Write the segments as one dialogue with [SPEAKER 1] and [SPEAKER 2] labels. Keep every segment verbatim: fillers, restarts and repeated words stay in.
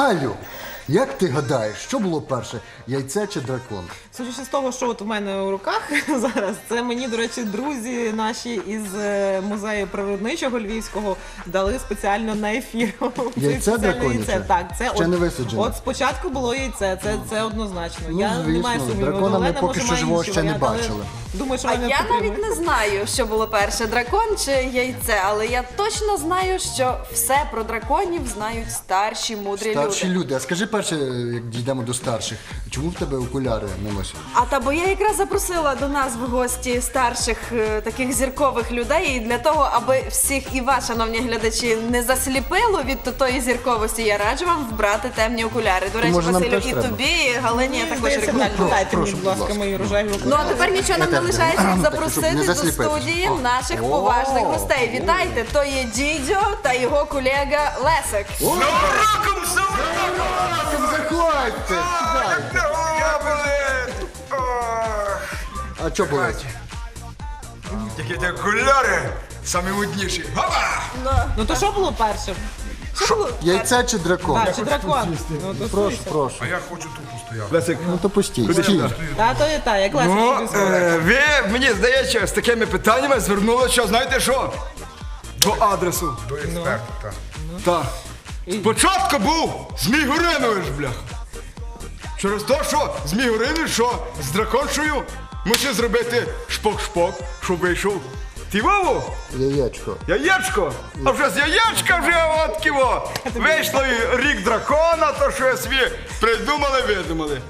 [SPEAKER 1] Галю, як ти гадаєш, що було перше, яйце чи дракон?
[SPEAKER 2] Судячи з того, що от у мене у руках зараз, це мені, до речі, друзі наші із е, музею природничого львівського дали спеціально на ефір. Це
[SPEAKER 1] Яйце
[SPEAKER 2] спеціальне
[SPEAKER 1] драконяче?
[SPEAKER 2] яйце. Так, це
[SPEAKER 1] Ще
[SPEAKER 2] от,
[SPEAKER 1] не висаджене?
[SPEAKER 2] От спочатку було яйце, це, це однозначно.
[SPEAKER 1] Ну,
[SPEAKER 2] я не маю
[SPEAKER 1] звісно,
[SPEAKER 2] сумніву,
[SPEAKER 1] дракона ми
[SPEAKER 2] Олена,
[SPEAKER 1] поки
[SPEAKER 2] може,
[SPEAKER 1] що
[SPEAKER 2] має
[SPEAKER 1] живого
[SPEAKER 2] інші
[SPEAKER 1] ще не
[SPEAKER 2] варіанти, але
[SPEAKER 1] бачили.
[SPEAKER 2] Думаю, що
[SPEAKER 3] А
[SPEAKER 2] вони
[SPEAKER 3] я навіть
[SPEAKER 2] підтримують.
[SPEAKER 3] не знаю, що було перше, дракон чи яйце, але я точно знаю, що все про драконів знають старші, мудрі
[SPEAKER 1] Старші
[SPEAKER 3] люди.
[SPEAKER 1] люди. А скажи перше, як дійдемо до старших, чому в тебе окуляри не носять?
[SPEAKER 3] А та бо я якраз запросила до нас в гості старших е, таких зіркових людей, і для того, аби всіх і вас, шановні глядачі, не засліпило від тої зірковості, я раджу вам вбрати темні окуляри. До речі,
[SPEAKER 1] може, нам
[SPEAKER 3] Василю,
[SPEAKER 1] теж
[SPEAKER 3] і
[SPEAKER 1] треба?
[SPEAKER 3] тобі, і Галині я також
[SPEAKER 2] Здається,
[SPEAKER 3] рекомендую.
[SPEAKER 2] так, дайте мені,
[SPEAKER 1] прошу,
[SPEAKER 2] будь
[SPEAKER 1] будь
[SPEAKER 2] ласка,
[SPEAKER 1] ласка.
[SPEAKER 2] мої рожеві
[SPEAKER 3] Ну а
[SPEAKER 2] окуляри.
[SPEAKER 3] тепер нічого нам не
[SPEAKER 1] Я теж
[SPEAKER 3] лишається, як
[SPEAKER 1] так, щоб
[SPEAKER 3] запросити
[SPEAKER 1] не
[SPEAKER 3] до
[SPEAKER 1] засліпитись.
[SPEAKER 3] студії
[SPEAKER 1] О.
[SPEAKER 3] наших
[SPEAKER 1] О.
[SPEAKER 3] поважних гостей. Вітайте, то є Дідьо та його колега Лесик.
[SPEAKER 4] Роком
[SPEAKER 1] Заходьте, сідайте.
[SPEAKER 4] Я болить! Ох.
[SPEAKER 1] А що болить?
[SPEAKER 4] Які ти окуляри самі модніші. Гопа!
[SPEAKER 2] Ну то що було перше?
[SPEAKER 3] Що було?
[SPEAKER 1] Яйце чи дракон?
[SPEAKER 2] Так, чи дракон? Ну, то
[SPEAKER 1] Прошу,
[SPEAKER 2] слухайте.
[SPEAKER 1] прошу.
[SPEAKER 4] А я хочу тупо стояти.
[SPEAKER 5] Лесик,
[SPEAKER 1] Ну то пустіть. Стій.
[SPEAKER 2] Та, то і так, як Леся
[SPEAKER 5] ну,
[SPEAKER 2] собі сказала.
[SPEAKER 5] е, ви, мені здається, з такими питаннями звернулися, знаєте що? До адресу.
[SPEAKER 4] До експерта, так.
[SPEAKER 5] Так. Спочатку був Змій Горинович, бляха. Через те, що Змій Горинович, що з драконшою мусив зробити шпок-шпок, щоб вийшов. Ти Вову?
[SPEAKER 1] Яєчко.
[SPEAKER 5] Яєчко? А вже з яєчка вже от ківо. Вийшло і рік дракона, то що собі придумали, видумали.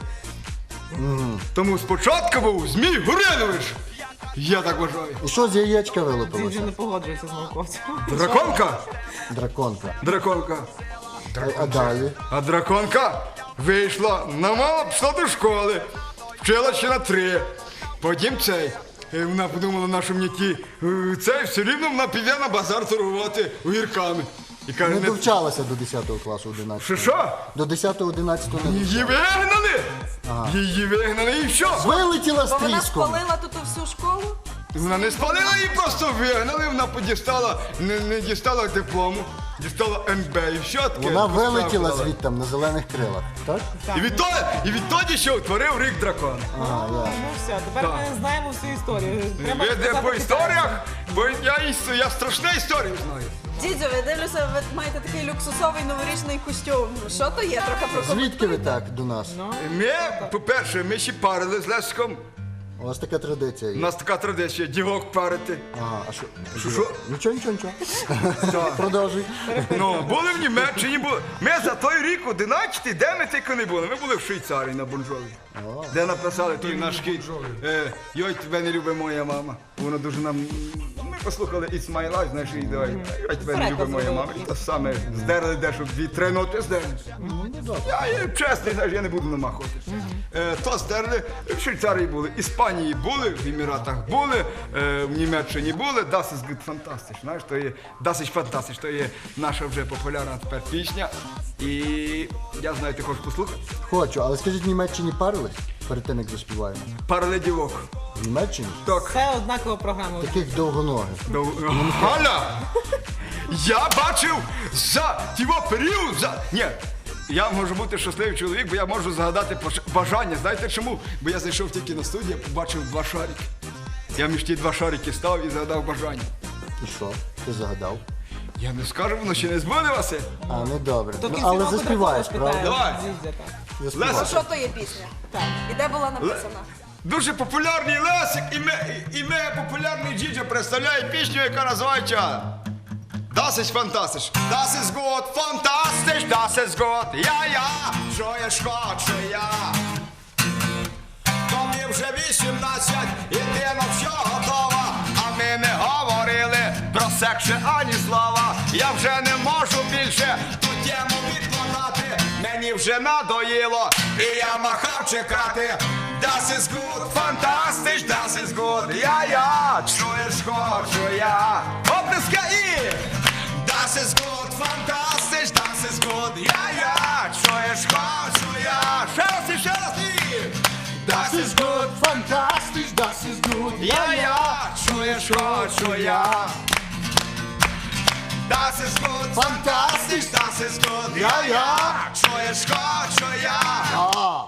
[SPEAKER 5] Тому спочатку був Змій Горинович. Я так вважаю.
[SPEAKER 1] І що з яєчка
[SPEAKER 2] Він вже
[SPEAKER 1] вилупилося?
[SPEAKER 2] не погоджується з науковцем.
[SPEAKER 5] Драконка?
[SPEAKER 1] Драконка.
[SPEAKER 5] Драконка.
[SPEAKER 1] А, а далі?
[SPEAKER 5] А драконка вийшла, намала, пішла до школи, вчила ще на три. Потім цей. е, Вона подумала, на що мені ті, е, цей все рівно вона піде на базар торгувати огірками. І каже,
[SPEAKER 1] Не
[SPEAKER 5] не...
[SPEAKER 1] довчалася до десятого класу, одинадцятого.
[SPEAKER 5] що що?
[SPEAKER 1] До десятого, одинадцятого не
[SPEAKER 5] Її
[SPEAKER 1] довчалася.
[SPEAKER 5] вигнали! Її вигнали і що?
[SPEAKER 1] Вилетіла з
[SPEAKER 3] Бо вона
[SPEAKER 1] тріском.
[SPEAKER 3] спалила тут всю школу.
[SPEAKER 5] Вона не спалила, її просто вигнали, вона подістала, не, не дістала диплому, дістала ем бе і все таке.
[SPEAKER 1] Вона вилетіла
[SPEAKER 5] поставила.
[SPEAKER 1] звідти на зелених крилах, так?
[SPEAKER 5] І відтоді, і відтоді ще утворив рік дракона.
[SPEAKER 1] А, я.
[SPEAKER 2] Ну все, тепер ми знаємо всю історію. Треба
[SPEAKER 5] Ви де
[SPEAKER 2] сказати
[SPEAKER 5] по
[SPEAKER 2] китайцям.
[SPEAKER 5] історіях, бо я, іс- я страшну історію знаю.
[SPEAKER 3] Дідьо, ви дивлюся, ви маєте такий люксусовий новорічний костюм. Що то є? Трохи про
[SPEAKER 1] Звідки ви так до нас?
[SPEAKER 5] Ми, по-перше, ми ще парили з Лесиком.
[SPEAKER 1] У вас така традиція
[SPEAKER 5] У
[SPEAKER 1] є.
[SPEAKER 5] нас така традиція, дівок парити.
[SPEAKER 1] Ага, а що?
[SPEAKER 5] Що, що?
[SPEAKER 1] Нічого, нічого, нічого. Продовжуй.
[SPEAKER 5] Ну, були в Німеччині, були. Ми за той рік одинадцятий, де ми тільки не були. Ми були в Швейцарії на Бонжові. Де написали той наш хіт. Е, Йой, тебе не любить моя мама. Воно дуже нам... Ми послухали It's My Life, знаєш, і давай. Йой, тебе не любить моя мама. І те саме здерли дещо, дві-три ноти здерли. Я є чесний, знаєш, я не буду намахувати. Е, То здерли, в Швейцарії були, Іспанії були, в Еміратах були, е, в Німеччині були. Das ist gut fantastisch, знаєш, то є Das ist fantastisch, то є наша вже популярна тепер пісня. І я знаю, ти хочеш послухати?
[SPEAKER 1] Хочу, але скажіть, в Німеччині парились перед тим, як заспіваємо?
[SPEAKER 5] Парале дівок.
[SPEAKER 1] В Німеччині?
[SPEAKER 5] Так.
[SPEAKER 2] Це однакова програма.
[SPEAKER 1] Таких довгоногих.
[SPEAKER 5] Дов- Галя! Я бачив за тіво період, за... Ні, я можу бути щасливий чоловік, бо я можу загадати пош- бажання. Знаєте чому? Бо я зайшов тільки на студію, побачив два шарики. Я між ті два шарики став і загадав бажання.
[SPEAKER 1] І що? Ти загадав?
[SPEAKER 5] Я не скажу, воно ще не збудилося.
[SPEAKER 1] А, ну добре.
[SPEAKER 2] То
[SPEAKER 1] Ну,
[SPEAKER 2] кінці
[SPEAKER 1] але
[SPEAKER 2] року
[SPEAKER 1] заспіваєш,
[SPEAKER 2] дракона
[SPEAKER 1] правда?
[SPEAKER 2] спитаємо,
[SPEAKER 5] Давай.
[SPEAKER 2] Дідзя, так.
[SPEAKER 1] Заспіваєш.
[SPEAKER 5] Леся,
[SPEAKER 3] що то є пісня?
[SPEAKER 2] Так.
[SPEAKER 3] І де була написана?
[SPEAKER 5] дуже популярний Лесик і ми, і ми популярний Дідьо представляє пісню, яка називається Das ist fantastisch, das ist gut, fantastisch, das ist gut, я-я, що я ж хочу я. То мені вже вісімнадцять, і ти на все готова, а ми не говорили про секс ще ані слова. Я вже не можу більше ту тему відкладати, мені вже надоїло, і я махав чекати. Das ist gut, fantastisch, das ist gut, я-я, чуєш, хочу я. Оплеска і... Das ist gut, fantastisch, das ist gut, я-я, чуєш, хочу я. Ще раз і ще раз і... Das ist gut,
[SPEAKER 1] Fantastisch, das ist gut.
[SPEAKER 5] я-я, чуєш, хочу я.
[SPEAKER 4] Das ist gut,
[SPEAKER 1] Fantastisch.
[SPEAKER 4] das ist gut.
[SPEAKER 1] Ja, ja.
[SPEAKER 4] Чуєш, хочу я.
[SPEAKER 1] А,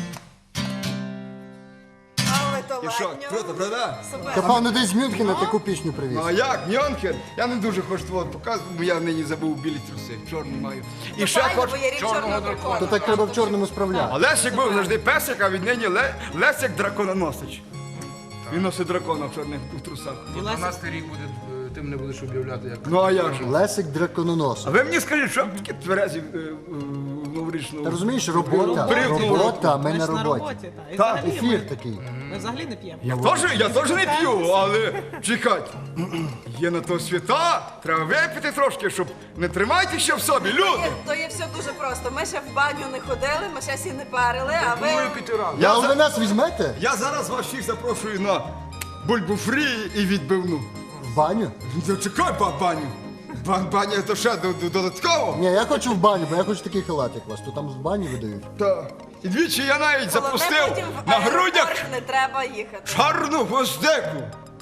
[SPEAKER 3] Але то
[SPEAKER 5] І що,
[SPEAKER 3] ладньо.
[SPEAKER 5] круто, правда?
[SPEAKER 3] Супер.
[SPEAKER 1] та певно десь з Мюнхена таку пісню привіз.
[SPEAKER 5] Ну а як, Ньонхер? Я не дуже хочу твого показувати, бо я нині забув білі труси, чорні маю. І ще
[SPEAKER 3] Файно,
[SPEAKER 5] хочу.
[SPEAKER 3] бо є рік чорного дракона.
[SPEAKER 1] То так треба в чорному справляти.
[SPEAKER 5] А Лесик був завжди песик, а віднині Ле... Лесик дракононосич. Він носить дракона в чорних у трусах.
[SPEAKER 2] І Лесик
[SPEAKER 6] дванадцятий рік буде, е, ти мене будеш об'являти як.
[SPEAKER 5] Ну а як же?
[SPEAKER 1] Лесик дракононос.
[SPEAKER 5] А ви мені скажіть, що таке тверезі е, е, новорічного?
[SPEAKER 1] Та розумієш, робота,
[SPEAKER 5] Брехню.
[SPEAKER 1] робота, ми
[SPEAKER 2] Ми
[SPEAKER 1] на
[SPEAKER 2] ж на
[SPEAKER 1] роботі.
[SPEAKER 2] роботі. Та. І
[SPEAKER 5] Так,
[SPEAKER 2] взагалі
[SPEAKER 1] Ефір
[SPEAKER 2] ми,
[SPEAKER 1] такий.
[SPEAKER 2] ми взагалі не п'ємо.
[SPEAKER 5] Я теж, я теж не п'ю, але чекайте. Є на то свята, треба випити трошки, щоб не тримайте ще в собі, люди.
[SPEAKER 3] Є- То є все дуже просто. Ми ще в баню не ходили, ми ще сі не парили, а ви...
[SPEAKER 6] Думаю, піти рано.
[SPEAKER 1] Я
[SPEAKER 5] за-
[SPEAKER 1] ви нас візьмете
[SPEAKER 5] Я зараз вас всіх запрошую на бульбу фрі і відбивну.
[SPEAKER 1] в баню?
[SPEAKER 5] Ну, чекай, ба- баню. Бан, баня то ще до- до- додатково.
[SPEAKER 1] Ні, я хочу в баню, бо я хочу такий халат, як вас. То там в бані видають.
[SPEAKER 5] Так. І двічі я навіть
[SPEAKER 3] Головне,
[SPEAKER 5] запустив
[SPEAKER 3] потім в
[SPEAKER 5] на
[SPEAKER 3] аеропорт
[SPEAKER 5] грудях
[SPEAKER 3] не треба їхати.
[SPEAKER 5] чорну гвоздику.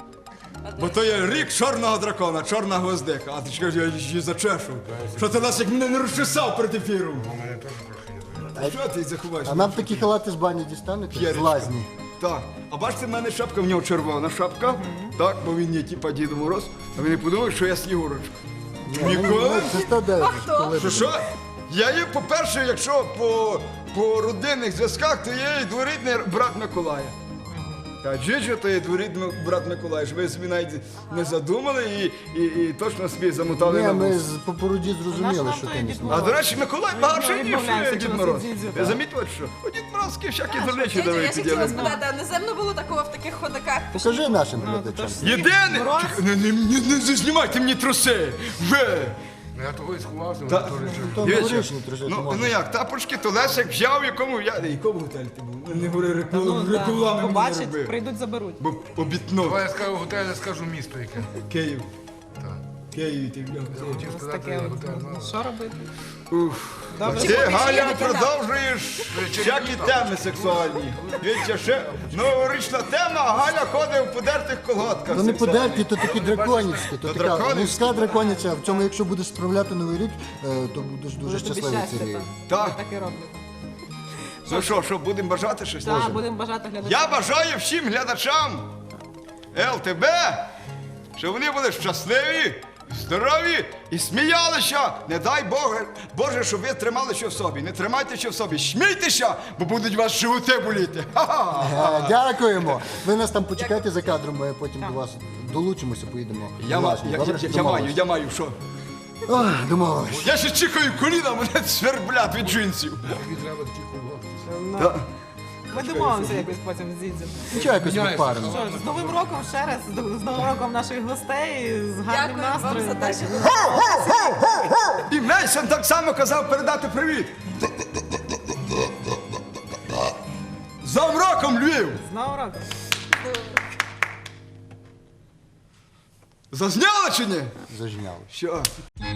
[SPEAKER 5] Бо то є рік чорного дракона, чорна гвоздика. А ти ж кажеш, я її зачешу. Що ти нас як мене не розчесав перед ефіром?
[SPEAKER 4] У мене теж трохи є.
[SPEAKER 5] Що ти заховаєш?
[SPEAKER 1] А нам такі халати з бані дістанете? З
[SPEAKER 5] П'єрочка.
[SPEAKER 1] лазні.
[SPEAKER 5] Так. А бачите, в мене шапка, в нього червона шапка. Так, бо він є типа Дідо Мороз. А ви не подумали, що я Снігурочка. Ніколи?
[SPEAKER 1] Це сто дев'ять.
[SPEAKER 3] хто?
[SPEAKER 1] Коли
[SPEAKER 5] Що що? Я є, по-перше, якщо по, по родинних зв'язках, то є і дворідний брат Миколая. Та Джиджо то є дворідний брат Миколая, що ви собі навіть не задумали і, і, і точно собі замотали
[SPEAKER 1] Ні,
[SPEAKER 5] на
[SPEAKER 1] ми
[SPEAKER 5] вус.
[SPEAKER 1] з по породі зрозуміли,
[SPEAKER 2] Наш
[SPEAKER 1] що
[SPEAKER 2] нам
[SPEAKER 1] ти
[SPEAKER 2] той
[SPEAKER 1] не
[SPEAKER 2] Дід
[SPEAKER 1] знаєш.
[SPEAKER 5] А до речі, Миколай багатший, ніж
[SPEAKER 2] відмовляється
[SPEAKER 5] е, Дід
[SPEAKER 2] носити
[SPEAKER 5] Мороз.
[SPEAKER 2] дзідзю,
[SPEAKER 5] Ви
[SPEAKER 2] так.
[SPEAKER 5] замітили, що? У Дід Морозки всякі дурничі
[SPEAKER 3] Дідя,
[SPEAKER 5] давай
[SPEAKER 3] я ще хотіла
[SPEAKER 5] піділи.
[SPEAKER 3] спитати, а не земно було такого в таких ходаках?
[SPEAKER 1] Покажи нашим
[SPEAKER 2] Ну, то
[SPEAKER 1] глядачам.
[SPEAKER 2] ж
[SPEAKER 5] Єдине!
[SPEAKER 2] Мороз.
[SPEAKER 5] Чекай, Не, не, не, не знімайте мені труси! Ви!
[SPEAKER 6] Ну, я того і сховався,
[SPEAKER 5] Та-
[SPEAKER 6] вони теж чорні.
[SPEAKER 1] То
[SPEAKER 5] Дивіться,
[SPEAKER 1] новорічні трошки
[SPEAKER 5] ну,
[SPEAKER 1] можна.
[SPEAKER 5] ну як, тапочки, то Лесик взяв, в якому я... Якому готелі ти був? Не говори
[SPEAKER 2] Ну,
[SPEAKER 5] реклами,
[SPEAKER 2] да.
[SPEAKER 5] реклами мені не
[SPEAKER 2] Побачать,
[SPEAKER 5] роби.
[SPEAKER 2] прийдуть, заберуть.
[SPEAKER 5] Бо обітнув.
[SPEAKER 6] Давай я скажу готель, я скажу місто яке.
[SPEAKER 5] Київ.
[SPEAKER 6] Так.
[SPEAKER 5] Київ ти бля.
[SPEAKER 6] Я хотів
[SPEAKER 2] Ось
[SPEAKER 6] сказати
[SPEAKER 2] таке.
[SPEAKER 6] готель.
[SPEAKER 2] Ну,
[SPEAKER 6] ну,
[SPEAKER 2] що робити?
[SPEAKER 5] Уф.
[SPEAKER 2] Добре.
[SPEAKER 5] Ти,
[SPEAKER 3] Чи
[SPEAKER 5] Галя,
[SPEAKER 3] є таке,
[SPEAKER 5] продовжуєш всякі теми сексуальні. Дивіться, ще новорічна тема, а Галя ходить в подертих колготках.
[SPEAKER 1] То не
[SPEAKER 5] сексуальних.
[SPEAKER 1] подерті, то такі драконівські. То
[SPEAKER 5] То
[SPEAKER 1] така
[SPEAKER 5] драконівські.
[SPEAKER 1] вузька драконіця. В цьому, якщо будеш справляти новий рік, е, то будеш дуже
[SPEAKER 2] Буде тобі
[SPEAKER 1] щасливий
[SPEAKER 2] щастя,
[SPEAKER 1] цей рік.
[SPEAKER 2] так.
[SPEAKER 5] Так.
[SPEAKER 2] Я так і роблю.
[SPEAKER 5] Ну що, що, будемо бажати щось?
[SPEAKER 2] Так, будемо бажати глядачам.
[SPEAKER 5] Я бажаю всім глядачам ЛТБ, щоб вони були щасливі, здорові і сміялися. Не дай Боже, Боже, щоб ви тримали що в собі. Не тримайте що в собі. Смійтеся, бо будуть у вас животи боліти. Ха-ха!
[SPEAKER 1] Е, Дякуємо. Ви нас там почекайте за кадром, ми потім до вас долучимося, поїдемо.
[SPEAKER 5] Я,
[SPEAKER 1] в
[SPEAKER 5] ма-
[SPEAKER 1] Лазні.
[SPEAKER 5] я,
[SPEAKER 1] Добре?
[SPEAKER 5] я, я маю,
[SPEAKER 1] Домовились?
[SPEAKER 5] я маю, що?
[SPEAKER 1] Ох, домовились.
[SPEAKER 5] Я ще чекаю коліна, мене сверблять від джинсів.
[SPEAKER 6] Тобі треба такі колготки.
[SPEAKER 2] Ну, Ми домовимося якось потім з Дідзем.
[SPEAKER 1] Нічого, якось
[SPEAKER 6] Міняється.
[SPEAKER 1] відпаримо.
[SPEAKER 2] Що ж, з Новим роком ще раз, з з Новим роком наших гостей, з гарним
[SPEAKER 3] Дякую вам
[SPEAKER 2] настроєм.
[SPEAKER 3] за те, що
[SPEAKER 5] І Мейсон так само казав передати привіт. З Новим роком, Львів!
[SPEAKER 2] З Новим роком.
[SPEAKER 5] Зазняли чи ні?
[SPEAKER 1] Зажняли.
[SPEAKER 5] Що?